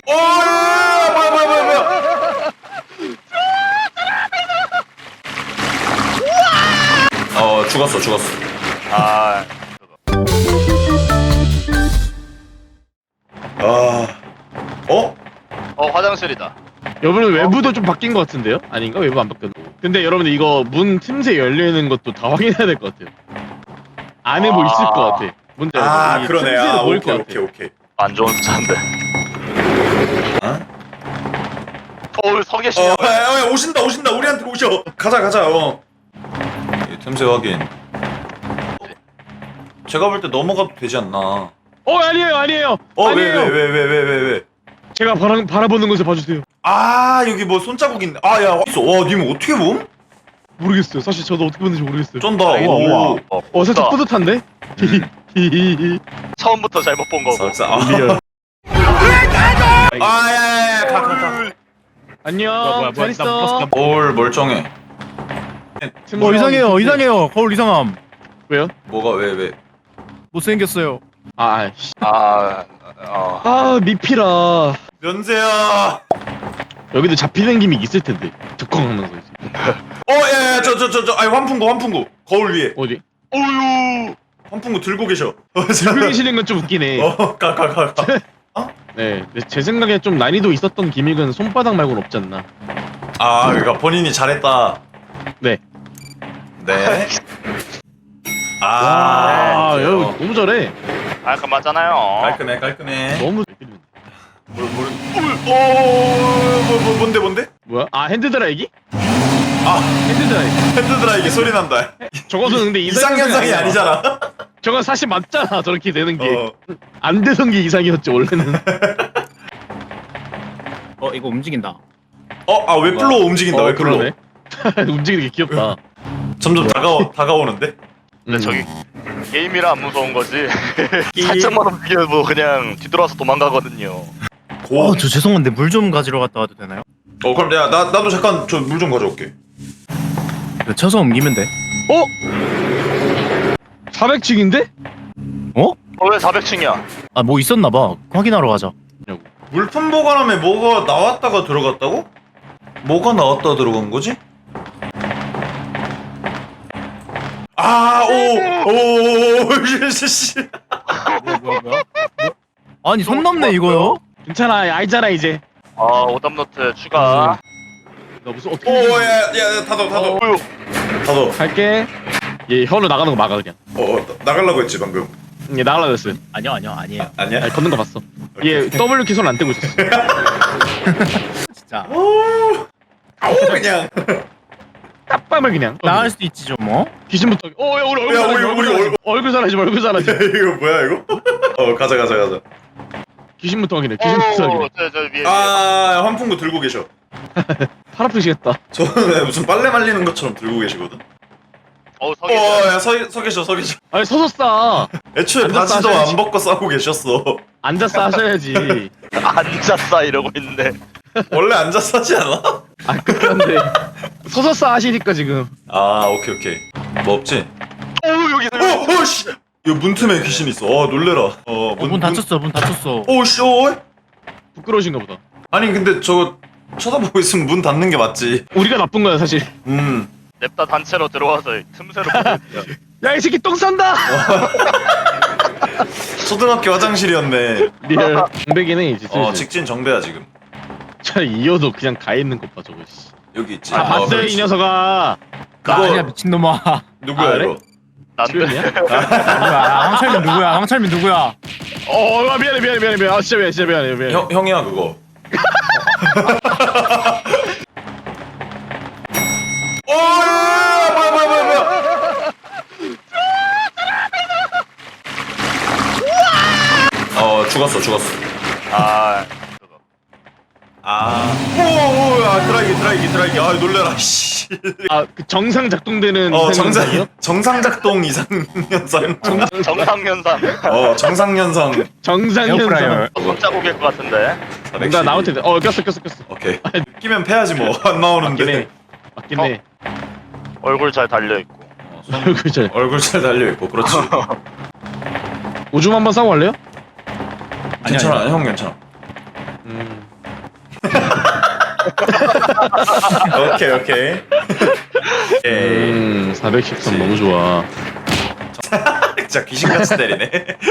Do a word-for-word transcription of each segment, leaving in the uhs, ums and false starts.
오, 뭐야, 뭐야, 뭐야, 뭐야. 어, 죽었어, 죽었어. 아, 아, 어? 어 화장실이다. 여러분 외부도 좀 바뀐 것 같은데요? 아닌가? 외부 안 바뀌었나? 근데 여러분들 이거 문 틈새 열려있는 것도 다 확인해야 될 것 같아요. 안에 뭐 있을 것 같아. 문제 아, 이 그러네. 틈새로 아, 보일 오케이, 것 오케이, 같아. 오케이. 안 좋은 숫자인데. 어? 서울 서 어, 계시냐? 야, 야, 야, 오신다, 오신다. 우리한테 오셔. 가자, 가자. 어. 이 틈새 확인. 제가 볼 때 넘어가도 되지 않나? 어 아니에요 아니에요. 어, 왜, 아니에요. 왜, 왜, 왜, 왜, 왜, 왜? 제가 바라, 바라보는 것을 봐주세요. 아, 여기 뭐 손자국 있네. 아, 야, 있어. 와, 님 어떻게 봄? 모르겠어요. 사실 저도 어떻게 보는지 모르겠어요. 쩐다. 우와, 오. 우와. 어, 어 살짝 없다. 뿌듯한데? 히히히히. 처음부터 잘못 본 거고. 삭사. 아, 리얼. 아, 야, 야, 야, 가, 가, 가. 안녕. 잘 있어. 올 멀쩡해. 틈새 어 이상해요 확인. 이상해요 거울 이상함 왜요? 뭐가 왜, 왜? 못생겼어요. 아, 씨. 아, 어. 아 미피라. 면세야. 여기도 잡히는 김이 있을 텐데. 득컹하면서 이제. 어, 야, 야, 저, 저, 저, 저, 아니 환풍구, 환풍구. 거울 위에. 어디? 오유. 환풍구 들고 계셔. 어, 들고 계시는 건 좀 웃기네. 어, 가, 가, 가, 가. 네, 근데 제 생각에 좀 난이도 있었던 기믹은 손바닥 말고는 없지 않나. 아, 그러니까 본인이 잘했다. 네. 네. 아, 아, 아, 여기 너무 잘해. 깔끔하잖아요. 깔끔해, 깔끔해. 너무 뭘, 뭘, 오, 뭐, 뭐, 뭔데, 뭔데? 뭐야? 아 핸드 드라이기? 아, 핸드 드라이기. 핸드 드라이기 소리 난다. 저것은 근데 이상 현상이 아니잖아. 저건 사실 맞잖아. 저렇게 되는 게. 어. 안 되던 게 이상이었지 원래는. 어 이거 움직인다. 어, 아, 웹플로 움직인다, 어, 웹플로. 그러네. 움직이는 게 귀엽다. 점점 다가오, 다가오는데? 근데 음. 저기 게임이라 안 무서운 거지. 살짝만 움직여도 뭐 그냥 뒤돌아서 도망가거든요. 고. 어저 죄송한데 물 좀 가지러 갔다 와도 되나요? 어, 그럼 야, 나, 나도 잠깐 저 물 좀 가져올게. 그 쳐서 옮기면 돼. 어? 사백 층인데? 어? 어, 왜 사백 층이야? 아 뭐 있었나 봐. 확인하러 가자. 물품 보관함에 뭐가 나왔다가 들어갔다고? 뭐가 나왔다 들어간 거지? 아, 오, 오, 씨. 뭐야 뭐야 뭐야? 아니 손 넘네 이거요? 괜찮아, 알잖아 이제. 아, 오답노트 추가. 너 무슨 어떻게? 오, 야, 야, 닫아, 닫아. 오유. 닫아. 갈게. 얘 혀로 나가는 거 막아 그냥. 어, 어, 나가려고 했지, 방금. 얘 나가려 했어요. 아니요 아니요 아니에요. 아니야? 아니, 걷는 거 봤어. 얘 W 키 손 안 떼고 있었어. 진짜 오, 그냥. 딱 그냥. 나갈 수도 있지 좀 뭐. 귀신부터. 어, 야, 우리 얼굴 야, 사라지 우리, 마, 우리 얼굴 얼굴. 얼굴 사라지 마, 얼굴 사라지 마. 이거 뭐야, 이거? 어, 가자, 가자, 가자. 귀신부터 확인해. 귀신부터 오, 확인해. 저, 저 위에. 아, 환풍구 들고 계셔. 팔 아프시겠다. 저는 무슨 빨래 말리는 것처럼 들고 계시거든. 어우, 서 어, 계셔. 야, 서, 서 계셔, 서 계셔. 아니 서서 싸. 애초에 앉아서 바지도 하셔야지. 안 벗고 싸고 계셨어. 앉아서 하셔야지. 앉았어 이러고 있는데. 원래 앉아서 하지 않아? 아 그런데 서서 싸 하시니까 지금. 아, 오케이, 오케이. 뭐 없지? 오, 여기 어, 어, 씨. 이거 문틈에 귀신 있어. 어, 놀래라. 어, 어, 문 닫혔어 문 닫혔어. 오, 씨, 어. 부끄러우신가 보다. 아니, 근데 저거 쳐다보고 있으면 문 닫는 게 맞지. 우리가 나쁜 거야 사실. 음. 냅다 단체로 들어와서 틈새로 보고 있어요. 야 이 새끼 똥 싼다. 초등학교 화장실이었네. 리얼 공백이네 이제. 어, 슬슬. 직진 정배야 지금. 차 이어도 그냥 가 있는 것 봐 저거. 씨. 여기 있지. 아 어, 봤어요 그렇지. 이 녀석아. 나 그거- 아니야 미친놈아. 누구야 아, 그래? 이거? 난데. 수현이야? 누구야? 황철민 누구야? 황철민 누구야? 어 아, 미안해 미안해 미안해 미안해. 아 진짜 미안해 진짜 미안해 미안해. 형 형이야 그거. 오, 뭐야 뭐야 뭐야 뭐야. 어, 죽었어 죽었어. 아, 그거. 아. 오, 오, 야, 드라이기 드라이기 드라이기. 아, 놀래라. 씨. 아그 정상 작동되는 어, 이상 정상 현상이요? 정상 작동 이상 현상. 정상현상. 어, 정상 현상. 정상 현상. 에어프라이어. 손자국일 것 같은데. 뭔가 나올 텐데. 어 꼈어 꼈어 꼈어. 오케이. 끼면 패야지 뭐. 안 맞긴 나오는데. 해. 맞긴 해. 얼굴 잘 달려 있고. 어, 손- 얼굴 잘. 얼굴 잘 달려 있고. 그렇지. 오줌 한번 싸고 갈래요? 괜찮아. 형 괜찮아. 음. 오케이 오케이. 오케이. 음, 사백십삼 너무 좋아. 진짜 귀신같이 때리네.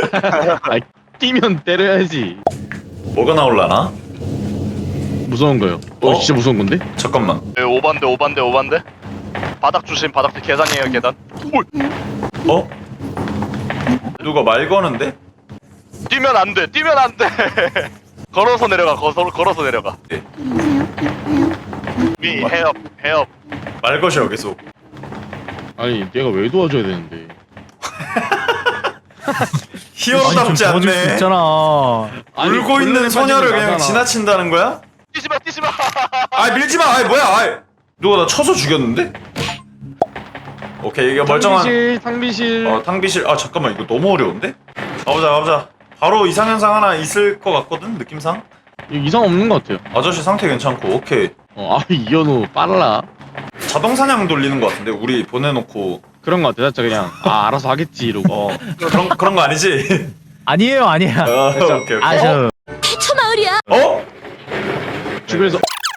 뛰면 때려야지. 뭐가 나올라나? 무서운 거요. 어, 어? 진짜 무서운 건데? 잠깐만. 네, 오반데 오반데 오반데. 바닥 조심 바닥 계단이에요 계단. 오, 어? 누가 말 거는데? 뛰면 안 돼. 뛰면 안 돼. 걸어서 내려가. 걸어서 걸어서 내려가. 네. 위 해업 해업. 말 것이야 계속. 아니, 내가 왜 도와줘야 되는데? 히어로답지 도와줄 수 않네. 있잖아. 아니, 울고 있는 곤란에 소녀를 빠지면 그냥 나잖아. 지나친다는 거야? 뛰지 마 뛰지 마. 아 밀지 마. 아 뭐야? 아 누가 나 쳐서 죽였는데? 오케이 이게 멀쩡한. 탕비실, 탕비실. 어 탕비실. 아 잠깐만 이거 너무 어려운데? 가보자 가보자. 바로 이상현상 하나 있을 것 같거든 느낌상. 이거 이상 없는 것 같아요. 아저씨 상태 괜찮고 오케이. 어, 아, 이현우 빨라. 자동 사냥 돌리는 것 같은데 우리 보내놓고. 그런 것 같아. 진짜 그냥 아 알아서 하겠지 이러고. 어 그런 그런 거 아니지? 아니에요, 아니야. 어, 오케이 오케이. 아, 저 태초 마을이야. 어? 주변에서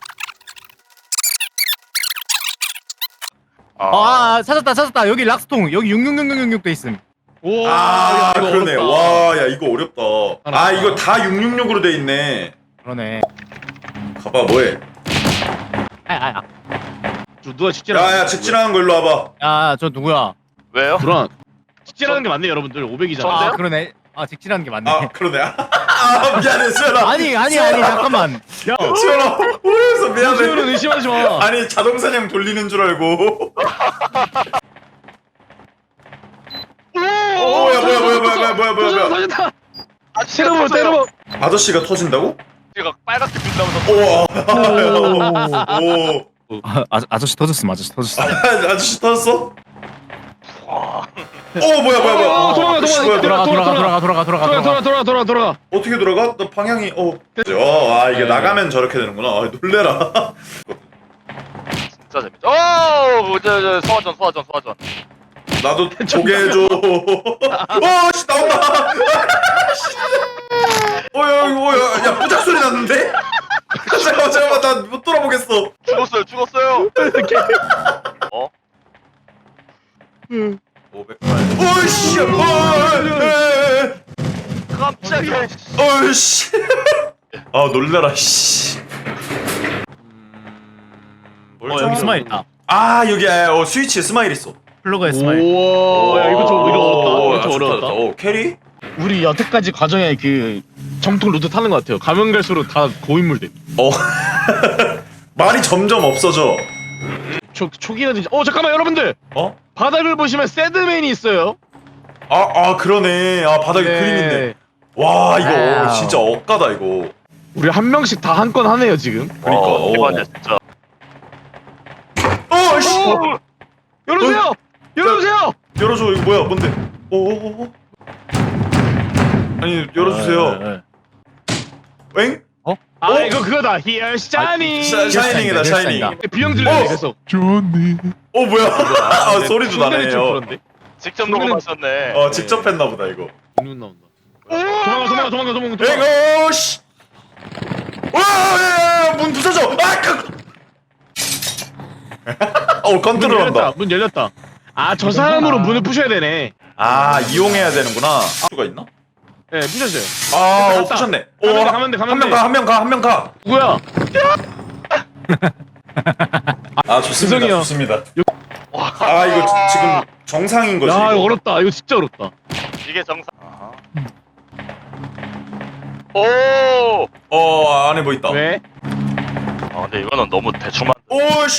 아, 찾았다, 찾았다. 여기 락스통. 여기 육육육육육 돼 있음. 오, 아 야, 이거 그러네. 어렵다. 와 야 이거 어렵다. 알았다. 아 이거 다 육육육으로 돼 있네. 그러네. 가봐 뭐해? 아, 아, 아. 누가 직진하 야야 직진하는 거 일로 와봐. 야, 저 누구야? 왜요? 불안. 직진하는 게 맞네 여러분들. 오백이잖아. 아, 저인데요? 그러네. 아, 직진하는 게 맞네. 아 그러네. 아 미안해 수연아. 아니, 아니, 아니, 잠깐만. 야, 수연아 오해서 수요는 미안해. 의심하지 마. 아니 자동 사냥 돌리는 줄 알고. 오, 야, 뭐야, 뭐야, 뭐야, 뭐야, 뭐야, 뭐야. 터진다. 아저씨가 때려봐, 터져요. 때려봐. 아저씨가 터진다고? 제가 빨갛게 빛나면서 우와. 오. 아, 아, 아저씨 터졌음, 아저씨 터졌어. 아, 아저씨 터졌어? 오 뭐야 뭐야 뭐야. 어, 도망가, 씨, 도망가. 뭐야, 돌아가, 뭐야. 돌아가, 돌아가, 돌아가, 돌아가, 돌아, 돌아, 돌아가. 돌아, 돌아, 돌아. 어떻게 돌아가? 너 방향이 어. 어, 아 이게 네. 나가면 저렇게 되는구나. 아 놀래라. 진짜 재밌죠. 오, 저저 소화전 소화전 소화전. 나도 보게 해줘. 오씨 나온다. 어야 어야 야 부작 소리 났는데? 잠깐만 잠깐만 나 못 돌아보겠어. 죽었어요 죽었어요. 어? 오백팔. 오이씨. 깜짝이야. 어이씨. 아 놀래라 씨. 뭘 어, 좀- 여기 스마일 있다. 아 여기 어 스위치에 스마일 있어. 플러그에 스마일. 우와, 야 이거 좀 이거 어렵다. 오, 이거 좀 아, 좋다, 어려웠다. 좋다. 어 캐리? 우리 여태까지 과정에 그 정통 루트 타는 것 같아요. 가면 갈수록 다 고인물 돼. 어. 말이 점점 없어져. 초 초기는 진짜. 어 잠깐만 여러분들. 어? 바닥을 보시면 새드맨이 있어요. 아, 아 그러네. 아 바닥에 네. 그림 있네. 와 이거 와우. 진짜 억까다 이거. 우리 한 명씩 다 한 건 하네요 지금. 그러니까. 어, 어. 대박이야 진짜. 어, 씨. 어! 열어주세요. 열어주세요. 열어줘. 이거 뭐야? 뭔데? 오, 오, 오. 아니 열어주세요. 네, 네. 엥? 아 어? 이거 그거다. Here Shining. 샤, 샤이닝이다 샤이닝. 샤이닝이다. 비명 질러 어. 계속. 어 뭐야? 아 소리도 나네요. 직접 녹음하셨네. 어 직접 했나 보다 이거. 눈 나온다. 도망가 도망가 도망가 도망가. 도망가. 엥? 오 씨. 와, 문 부서져. 아, 그. 어 문 컨트롤한다. 열렸다. 문 열렸다. 아 저 사람으로 문을 부셔야 되네. 아 이용해야 되는구나. 수가 있나? 네 부셔줘요. 아, 어, 갔다. 부셨네. 가면 돼, 가면 돼, 가면 한 명 돼. 가, 한 명 가, 한 명 가. 누구야? 아, 좋습니다. 죄송해요. 좋습니다. 아, 이거 지- 지금 정상인 거지. 야 이거. 이거 어렵다. 이거 진짜 어렵다. 이게 정상. 오. 어, 안에 뭐 있다. 왜? 아 근데 이거는 너무 대충만. 오, 씨.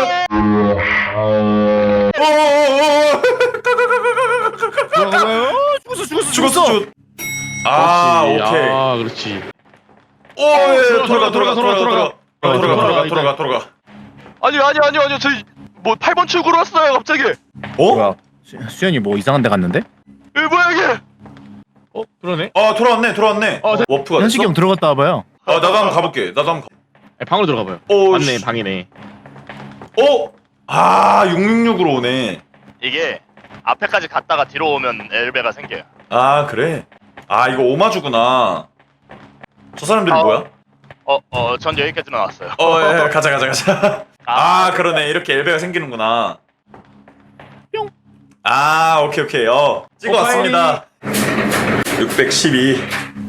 오, 오, 오. 죽었어, 죽었어, 죽었어, 죽었어. 아, 그렇지. 오케이. 아 그렇지. 오, 예, 들어가, 돌아가, 돌아가, 돌아가, 들어가, 돌아가, 들어가. 돌아가, 돌아가, 들어가, 돌아가, 돌아가. 아니 아니 아니 아니 저희 뭐 팔 번 출구로 왔어요 갑자기. 어? 뭐야? 수- 수현이 뭐 이상한 데 갔는데? 이 뭐야 이게? 어 그러네. 아, 돌아왔네, 돌아왔네. 어, 자- 워프가 현식이 됐어? 형 들어갔다 와봐요. 아, 나도 한번 가볼게. 나도 한번. 가... 네, 방으로 들어가 봐요. 오, 맞네 씨. 방이네. 어? 아, 육육육으로 오네. 이게 앞에까지 갔다가 뒤로 오면 엘베가 생겨요. 아, 그래? 아, 이거 오마주구나. 저 사람들이 아. 뭐야? 어어 전 여기까지 나왔어요. 어, 예, 예, 가자, 가자, 가자. 아, 그러네. 이렇게 엘베가 생기는구나. 뿅. 아, 오케이, 오케이. 어, 찍어 왔습니다. 육백십이.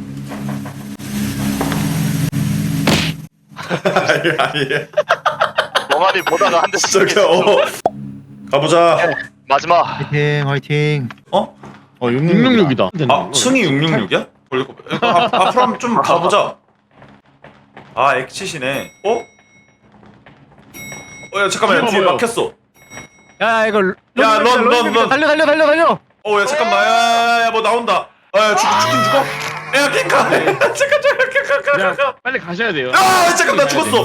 아니, 아니. 멍하니 보다가 한 대씩 저기, 어. 가보자. 마지막. 화이팅 화이팅. 어? 어 육육육이다. 아, 승이 육육육이야? 앞, 앞으로 한번 좀 가보자. 아, 엑치시네. 어? 어, 야, 잠깐만. 야, 뒤에 뭐야? 막혔어. 야 이거 런, 야, 런, 런, 런. 달려 달려 달려 달려. 어, 야, 잠깐만. 야, 야, 야, 뭐 나온다. 아, 야, 죽, 죽긴 죽어. 야, 킹카. 잠깐, 잠깐, 잠깐, 잠깐, 야, 잠깐. 빨리 가셔야 돼요. 아, 잠깐, 나 죽었어.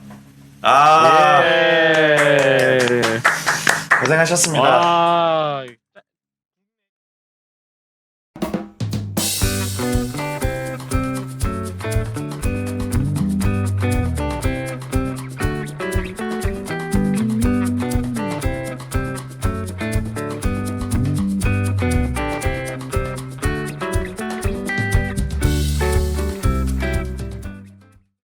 아, 예. 고생하셨습니다. 와.